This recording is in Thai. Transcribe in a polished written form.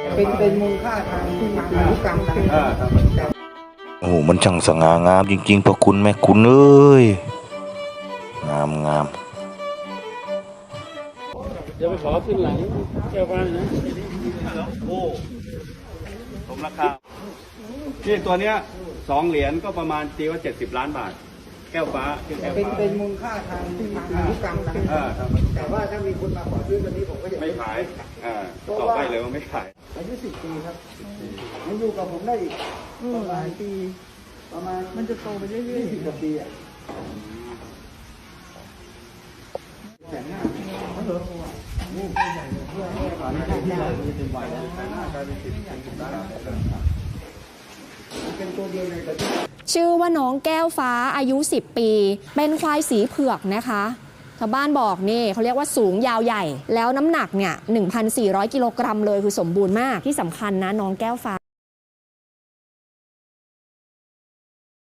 เป็นมูลค่าทางพันธุกรรมนะโอ้โหมันช่างสง่างามจริงๆพระคุณแม่คุณเอ้ยงามเดี๋ยวไปขอขึ้นหลังแก้วฟ้านะโอ้สมราคาที่ตัวเนี้ย2 เหรียญก็ประมาณตีว่า70 ล้านบาทแก้วฟ้าเป็นมูลค่าทางพันธุกรรมนะแต่ว่าถ้ามีคนมาขอซื้อวันนี้ผมก็จะไม่ขายตอบได้เลยว่าไม่ขายอายุ10 ปีครับมันอยู่กับผมได้อีกประมาณปีประมาณมันจะโตไปเรื่อยๆ20 กว่าปีอ่ะชื่อว่าน้องแก้วฟ้าอายุ10 ปีเป็นควายสีเผือกนะคะชาวบ้านบอกนี่เขาเรียกว่าสูงยาวใหญ่แล้วน้ำหนักเนี่ย 1,400 กิโลกรัมเลยคือสมบูรณ์มากที่สำคัญนะน้องแก้วฟ้า